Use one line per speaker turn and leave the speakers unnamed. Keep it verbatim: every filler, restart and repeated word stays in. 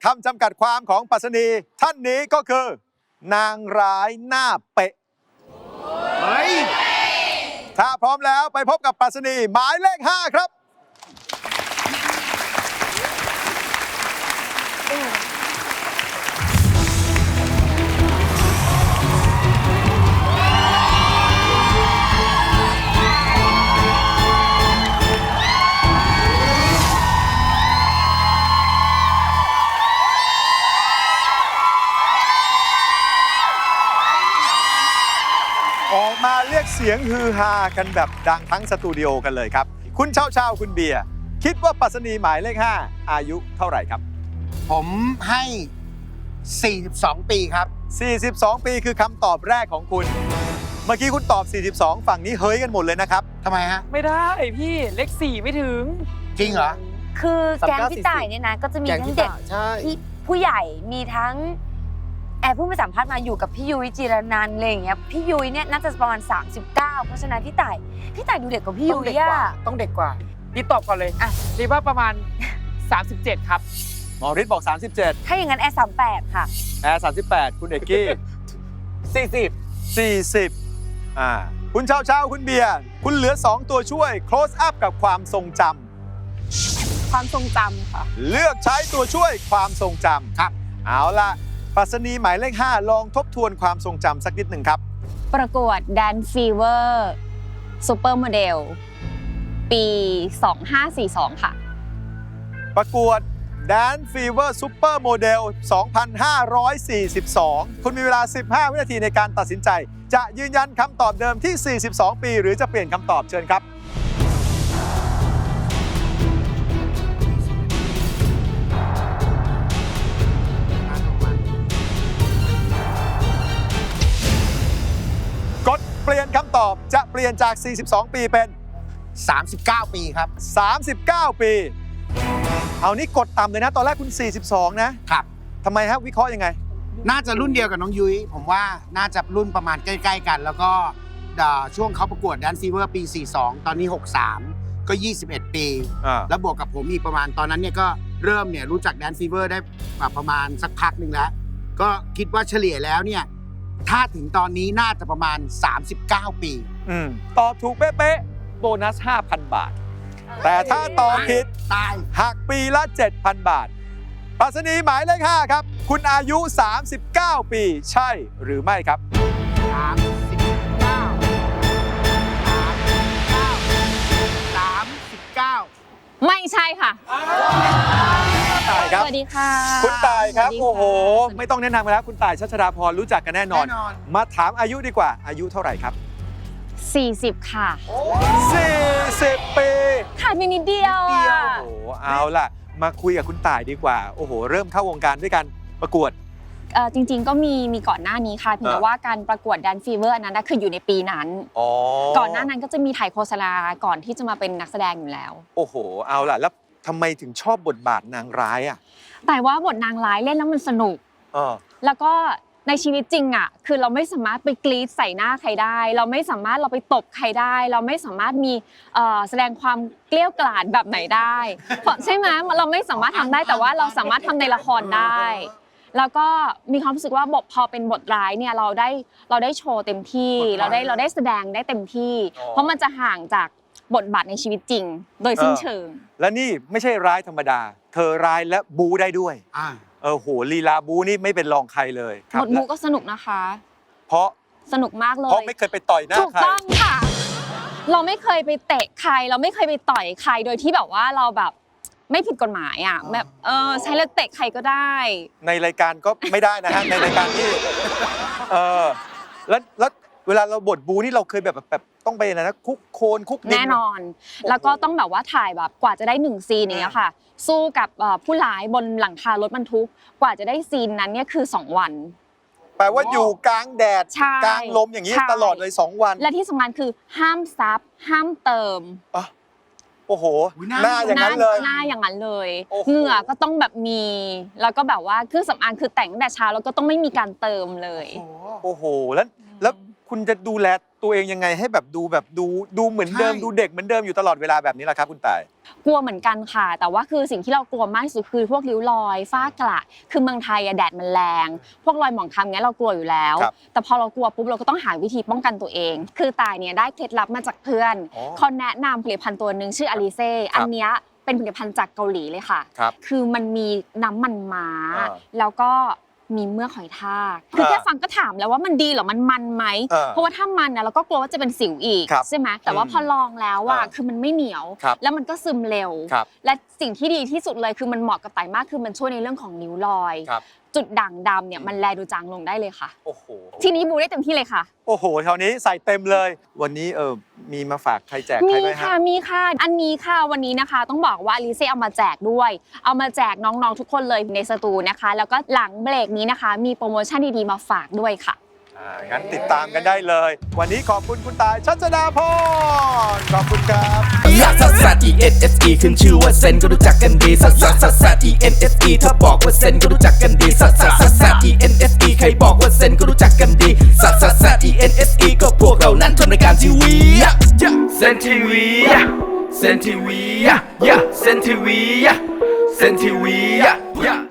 คำจำกัดความของปรัชนีท่านนี้ก็คือ นางร้ายหน้าเป๊ะเฮ้ยถ้าพร้อมแล้วไปพบกับปรัชนีหมายเลขห้าครับออกมาเรียกเสียงฮือฮากันแบบดังทั้งสตูดิโอกันเลยครับ คุณเช่าเช่าคุณเบียร์คิดว่าปรัชนีหมายเลขห้าอายุเท่าไหร่ครับ
ผมให้สี่สิบสองปีครับ
สี่สิบสองปีคือคำตอบแรกของคุณเมื่อกี้คุณตอบสี่สิบสองฝั่งนี้เฮ้ยกันหมดเลยนะครับ
ทำไมฮะ
ไม่ได้พี่เลขสี่ไม่ถึง
จริงเหรอ
คือแก๊งพี่ต่ายเนี่ยนะก็จะมีทั้งเด็กที่ผู้ใหญ่มีทั้งแอบผู้มาสัมภาษณ์มาอยู่กับพี่ยุ้ยจีรนันท์อะไรอย่างเงี้ยพี่ยุ้ยเนี่ยน่าจะประมาณสามสิบเก้าเพราะฉะนั้นพี่ต่ายพี่ต่ายดูเด็กกว่าพี่ยุ้ยอ่ะ
ต้องเด็กกว่าพี่ตอบก่อนเลยอ่ะรีว่าประมาณสามสิบเจ็ดครับ
หมอฤทธิ์บอกสามสิบเจ็ด
ถ้าอย่างนั้นแอร์สามแปดค่ะ
แอร์สามสิบแปดคุณเอกกี้
สี่สิบ
สี่สิบอ่าคุณเช่าเช่าคุณเบียร์คุณเหลือสองตัวช่วย close up กับความทรงจ
ำความทรงจำค่ะ
เลือกใช้ตัวช่วยความทรงจำครับเอาล่ะปรัชนีหมายเลขห้าลองทบทวนความทรงจำสักนิดหนึ่งครับ
ประกวด Dance Fever Super Model ปีสองพันห้าร้อยสี่สิบสองค่ะ
ประกวด Dance Fever Super Model สองพันห้าร้อยสี่สิบสองคุณมีเวลาสิบห้าวินาทีในการตัดสินใจจะยืนยันคำตอบเดิมที่สี่สิบสองปีหรือจะเปลี่ยนคำตอบเชิญครับกดเปลี่ยนคำตอบจะเปลี่ยนจากสี่สิบสองปีเป็น
สามสิบเก้าปีครับ
สามสิบเก้าปีเอานี่กดต่ำเลยนะตอนแรกคุณสี่สิบสองนะครับทำไมฮะวิเคราะห์ยังไง
น่าจะรุ่นเดียวกับน้องยุ้ยผมว่าน่าจะรุ่นประมาณใกล้ๆกันแล้วก็ช่วงเขาประกวด Dance Fever ปีสี่สิบสองตอนนี้หกสิบสามก็ยี่สิบเอ็ดปีแล้วบวกกับผมอีกประมาณตอนนั้นเนี่ยก็เริ่มเนี่ยรู้จัก Dance Fever ได้ประมาณสักพักหนึ่งแล้วก็คิดว่าเฉลี่ยแล้วเนี่ยถ้าถึงตอนนี้น่าจะประมาณสามสิบเก้าปี
อืมตอบถูกเป๊ะๆโบนัส ห้าพัน บาทแต่ถ้าตอบผิด
ตาย
หักปีละ เจ็ดพัน บาทปรัชนีหมายเลขห้าครับคุณอายุสามสิบเก้าปีใช่หรือไม่ครับ
สามสิบเก้า สามสิบเก้า
ไม่ใช่ค่ะ
ตายครับ
สวัสดีค่ะ
คุณตายครับโอ้โหไม่ต้องแนะนำกันแล้วคุณตายชัชดาพรรู้จักกันแน่นอนมาถามอายุดีกว่าอายุเท่าไหร่ครับ
สี่สิบค่ะ
สี่สิบปี
ขาดไปนิดเดียวอ่ะ
โอ้โหเอาล่ะมาคุยกับคุณต่ายดีกว่าโอ้โหเริ่มเข้าวงการด้วยกันประกวด
เออจริงๆก็มีมีก่อนหน้านี้ค่ะเพียงแต่ว่าการประกวด Dance Fever อันนั้นคืออยู่ในปีนั้นก่อนหน้านั้นก็จะมีถ่ายโฆษณาก่อนที่จะมาเป็นนักแสดงอยู่แล้ว
โอ้โหเอาล่ะแล้วทำไมถึงชอบบทบาทนางร้ายอ่ะ
แต่ว่าบทนางร้ายเล่นแล้วมันสนุกแล้วก็ในชีวิตจริงอ่ะคือเราไม่สามารถไปกรี๊ดใส่หน้าใครได้เราไม่สามารถเราไปตบใครได้เราไม่สามารถมีแสดงความเกลี้ยกล่อมแบบไหนได้ใช่ไหมเราไม่สามารถทำได้แต่ว่าเราสามารถทำในละครได้แล้วก็มีความรู้สึกว่าบทพอเป็นบทร้ายเนี่ยเราได้เราได้โชว์เต็มที่เราได้เราได้แสดงได้เต็มที่เพราะมันจะห่างจากบทบาทในชีวิตจริงโดยสิ้นเชิง
และนี่ไม่ใช่ร้ายธรรมดาเธอร้ายและบูได้ด้วยเออโหลีลาบูนี่ไม่เป็นรองใครเลย
บทบูก็สนุกนะคะ
เพราะ
สนุกมากเลย
เพราะไม่เคยไปต่อยหน้าใครถู
กต้องค่ะเราไม่เคยไปเตะใครเราไม่เคยไปต่อยใครโดยที่แบบว่าเราแบบไม่ผิดกฎหมายอ่ะแบบเออใช้แล้วเตะใครก็ได้
ในรายการก็ไม่ได้นะฮะในรายการที่เออแล้วแล้วเวลาเราบทบูนี่เราเคยแบบแบบต้องไปอะไรนะคุกโคนคุกดิน
แน่นอนแล้วก็ต้องแบบว่าถ่ายแบบกว่าจะได้หนึ่งซีนอย่างเงี้ยค่ะสู้กับผู้ร้ายบนหลังคารถบรรทุกกว่าจะได้ซีนนั้นเนี่ยคือสองวัน
แปลว่าอยู่กลางแดดกลางลมอย่างนี้ตลอดเลยสองวัน
และที่สำคัญคือห้ามซับห้ามเติม
โอ้โหหน้าอย่างนั้นเลย
หน้าอย่างนั้นเลยเหงื่อก็ต้องแบบมีแล้วก็แบบว่าเครื่องสำอางคือแต่งตั้งแต่เช้าแล้วก็ต้องไม่มีการเติมเลย
โอ้โหแล้วแล้วคุณจะดูแลตัวเองยังไงให้แบบดูแบบดูดูเหมือนเดิม
ใช่
ดูเด็กเหมือนเดิมอยู่ตลอดเวลาแบบนี้ล่ะครับคุณต่าย
กลัวเหมือนกันค่ะ แต่ว่าคือสิ่งที่เรากลัวมากที่สุดคือพวกริ้วรอยฝ้ากระคือเมืองไทยอะแดดมันแรงพวกรอยหมองคล้ำเงี้ยเรากลัวอยู่แล้ว
ครับ
แต่พอเรากลัวปุ๊บเราก็ต้องหาวิธีป้องกันตัวเอง คือตายเนี่ยได้เคล็ดลับมาจากเพื่อน
อ๋อ
เขาแนะนำผลิตภัณฑ์ตัวหนึ่งชื่ออลิเซ่
ครับ
อันเนี้ยเป็นผลิตภัณฑ์จากเกาหลีเลยค่ะ
ครับ
คือมันมีน้ำมันม้า
อ่า
แล้วก็มีเมือกหอยทากคือแค่ฟังก็ถามแล้วว่ามันดีเหรอมันมันไหม
เออ
เพราะว่าถ้ามันนะเราก็กลัวว่าจะเป็นสิวอีก
ครับ
ใช่ไหมแต่ว่าพอลองแล้วอะ
อ่า
คือมันไม่เหนียว
ครับ
แล้วมันก็ซึมเร็ว
ครับ
และสิ่งที่ดีที่สุดเลยคือมันเหมาะกับไตมากคือมันช่วยในเรื่องของริ้วรอย
ครับ
จุดด่างดำเนี่ยมันแลดูจางลงได้เลยค่ะ
โอ้โห
ทีนี้บูได้เต็มที่เลยค่ะ
โอ้โหคราวนี้ใส่เต็มเลย วันนี้เออมีมาฝากใครแจกใคร
มี
ไหม
ค่ะ
ฮะ
มีค่ะ อันนี้ค่ะวันนี้นะคะต้องบอกว่าอลิเซ่เอามาแจกด้วย เอามาแจกน้องๆทุกคนเลยในสตูนะคะ แล้วก็หลังเบรกนี้นะคะ มีโปรโมชั่นดีๆมาฝากด้วยค่ะ
อ่างั้นติดตามกันได้เลย วันนี้ขอบคุณคุณตายชัชดาพรขอบคุณครับ
ลักซัสซัส E N S E ขึ้นชื่อว่าเซนก็รู้จักกันดีซัสซัสซัสซัส E N S E ถ้าบอกว่าเซนก็รู้จักกันดีซัสซัสซัสซัส E N S E ใครบอกว่าเซนก็รู้จักกันดีซัสซัสซัส E N S E ก็พวกเรานั้นทำรายการทีวีเซนทีวีเซนทีวีเซนทีวีเซนทีวี